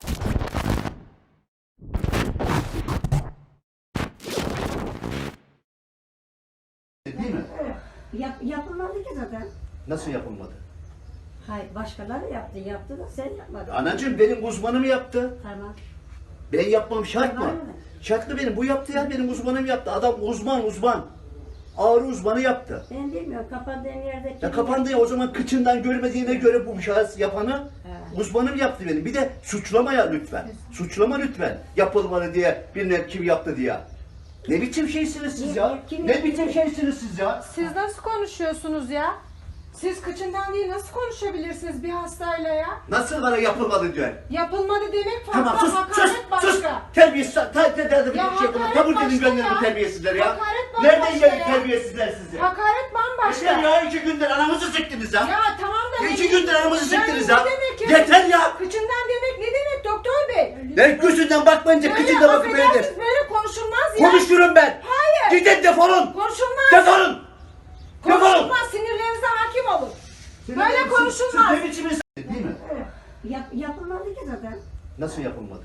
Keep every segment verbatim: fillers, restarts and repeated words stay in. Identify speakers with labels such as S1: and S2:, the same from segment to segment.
S1: Değil mi?
S2: Yap, yapılmadı ki zaten.
S1: Nasıl yapılmadı?
S2: Hayır, başkaları yaptı, yaptı da sen yapmadın.
S1: Anacığım benim uzmanım yaptı.
S2: Tamam.
S1: Ben yapmam şart mı?
S2: Tamam.
S1: Şartlı benim. Bu yaptı ya benim uzmanım yaptı. Adam uzman uzman. Ağrı uzmanı yaptı.
S2: Ben bilmiyorum, kapandığın yerde...
S1: Ya kapandı ya o zaman kıçından görmediğine göre bu şahıs yapanı
S2: Evet.
S1: uzmanım yaptı benim. Bir de suçlama ya lütfen. Suçlama lütfen. Yapılmadı diye bilmem kim yaptı diye. Ne biçim şeysiniz siz ya?
S2: Kim
S1: Ne
S2: yaptı?
S1: biçim şeysiniz siz ya?
S3: Siz nasıl konuşuyorsunuz ya? Siz kıçından değil nasıl konuşabilirsiniz bir hastayla ya?
S1: Nasıl bana yapılmadı diyor.
S3: Yapılmadı demek farklı,
S1: Tamam sus sus
S3: hakaret başka.
S1: sus. Terbiyesiz. Ta, ta, ta, ta, bir
S3: Ya
S1: şey yapın.
S3: hakaret
S1: Kabul edin
S3: başka
S1: gönderin
S3: ya.
S1: bu terbiyesizler ya.
S3: Hakaret bambaşka
S1: Nereden geldi
S3: ya.
S1: terbiyesizler sizi?
S3: Hakaret bambaşka.
S1: Yeter ya iki gündür anamızı siktiniz ya.
S3: Ya tamam da...
S1: İki
S3: ne-
S1: gündür anamızı
S3: Yani
S1: siktiniz
S3: ne
S1: ya.
S3: demek ya?
S1: Yeter ya.
S3: Kıçından demek ne demek doktor bey?
S1: Ben gözünden bakmayınca
S3: Böyle
S1: kıçında bakıp böyledir.
S3: affedersiniz, böyle konuşulmaz ya.
S1: Konuşurum ben.
S3: Hayır.
S1: Gidin defolun.
S3: Konuşulmaz.
S1: Defolun. Defolun.
S3: Konuşulmaz, sinirlerinize hakim olun. Böyle
S1: Siz-
S3: konuşulmaz.
S1: Siz ne biçim insan- Değil mi?
S2: Yap, yapılmadı ki zaten.
S1: Nasıl yapılmadı?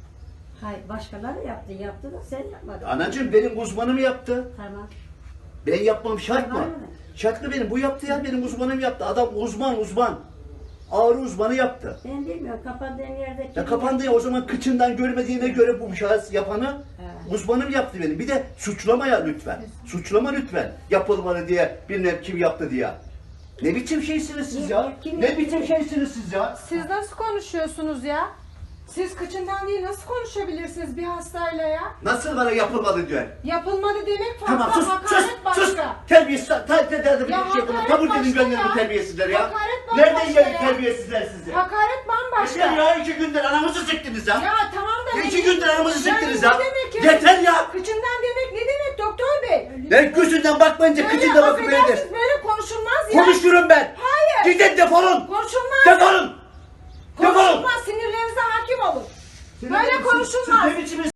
S2: Hayır, başkaları yaptı, yaptı da sen yapmadın.
S1: Anacığım benim uzmanım yaptı.
S2: Tamam.
S1: Ben yapmam şart mı?
S2: Tamam.
S1: Şartlı benim. Bu yaptı ya benim uzmanım yaptı. Adam uzman uzman. Ağrı uzmanı yaptı.
S2: Ben bilmiyorum, kapandığın yerde...
S1: Ya kapandı ya o zaman kıçından görmediğine göre bu şahıs yapanı
S2: Evet.
S1: uzmanım yaptı benim. Bir de suçlama ya lütfen. Suçlama lütfen. Yapılmadı diye bilmem kim yaptı diye. Ne biçim şeysiniz siz ya?
S2: Kim
S1: Ne
S2: yaptı?
S1: biçim şeysiniz siz ya?
S3: Siz nasıl konuşuyorsunuz ya? Siz kıçından değil nasıl konuşabilirsiniz bir hastayla ya?
S1: Nasıl bana yapılmadı diyor.
S3: Yapılmadı demek farklı,
S1: Tamam sus sus
S3: hakaret başka.
S1: sus. Terbiyesiz. Ta, ta, ta, ta, bir
S3: Ya
S1: şey yapın.
S3: hakaret
S1: Kabul edin
S3: başka
S1: gönderin
S3: ya.
S1: bu terbiyesizler ya.
S3: Hakaret bambaşka
S1: Nereden geldi
S3: ya.
S1: terbiyesizler sizi?
S3: Hakaret bambaşka.
S1: Yeter ya iki gündür anamızı siktiniz ya.
S3: Ya tamam da...
S1: İki
S3: ne-
S1: gündür anamızı
S3: Yani
S1: siktiniz
S3: ne
S1: ya.
S3: demek ya?
S1: Yeter ya.
S3: Kıçından demek ne demek doktor bey?
S1: Ben gözünden bakmayınca
S3: Böyle
S1: kıçında bakıp böyledir.
S3: affedersiniz, böyle konuşulmaz ya.
S1: Konuşurum ben.
S3: Hayır.
S1: Gidin defolun.
S3: Konuşulmaz.
S1: Defolun. Defolun.
S3: Konuşulmaz, sinirlerinize hakim olun. Böyle
S1: Siz-
S3: konuşulmaz.
S1: Siz ne biçim